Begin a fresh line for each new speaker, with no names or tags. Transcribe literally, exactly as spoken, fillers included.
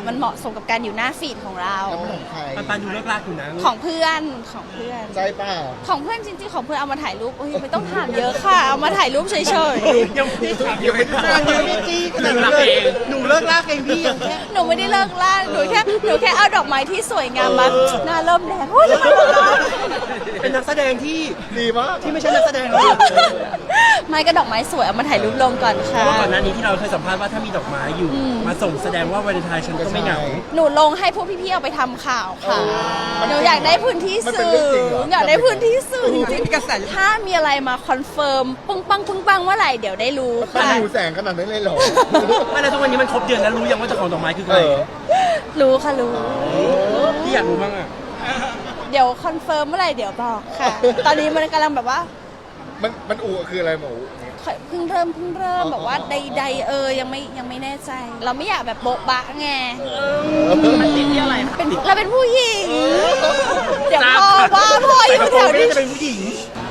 มันเหมาะสมกับการอยู่หน้าฟีดของเรา
แล้วมันของใคร
ปันปันดูเลิกลากอยู่นะ
ของเพื่อนของเพื่อน
ใจเปล่า
ของเพื่อนจริงๆของเพื่อนเอามาถ่ายรูปโอ้ยไม่ต้องถามเยอะค่ะเอามาถ่ายรูปเฉย
ยังไม่ถาม
ยังไม่ได้ฟังยังไม่จี้ขนาดนั้นเลยหนูเลิกลากเองพี่ยังแค่
ๆหนูไม่ได้เลิกล่าหนูแค่หนูแค่เอาดอกไม้ที่สวยงามมาหน้าเริ่มแดงโอ้ยทำไมมันร้อน
เป็นนักแสดงที่
ดีมาก
ที่ไม่ใช่นักแสดงหรอก
ไม่ก็ดอกไม้สวยเอามาถ่ายรูปลงก่อน
เพ
ค่ะ
ราะว่าก่อนหน้านี้ที่เราเคยสัมภาษณ์ว่าถ้ามีดอกไม้อยู่ มาส่งแสดงว่าวันเลนไทน์ฉันก็ไม่เหงา
หนูลงให้พวกพี่ๆเอาไปทำข่าวค่ะหนูอยากได้พื้นที่
มันเป็น
สื่อ
เรื่องจริงเหรอ
อยากได้พื้นที่สื่อจริง
มีกระแส
ๆถ้ามีอะไรมาคอนเฟิร์มปึ้งปังปึ้งปังเมื่อไหร่เดี๋ยวได้รู้
มัน
ค่ะ
หิวแสงขนาดนั้นเลยเหรอ
ไม่แล้วทุกวันนี้มันครบเดือนแล้วรู้ยังว่าเจ้าของดอกไม้คือใค
เอ
ร
อ
รู้ค่ะรู้
พี่อยากรู้บ้างอ่ะ
เดี๋ยวคอนเฟิร์มเมื่อไหร่เดี๋ยวบอกค่ะ ตอนนี้มันกำลังแบบว่า
มันมันอูคืออะไรหมู
เพิ่งเริ่มเพิ่งเริ่ม
อ๋อ
แบบว่าใดๆเออยังไม่ยังไม่แน่ใจ เราไม่อยากแบบโบ๊ะบะไง
มันติดที่อะไรคะ
เป็นเราเป็นผู้หญิง เดี๋ยวพ่อว่าพ่ออยู่แถวนี้
จะเป็นผู้หญิง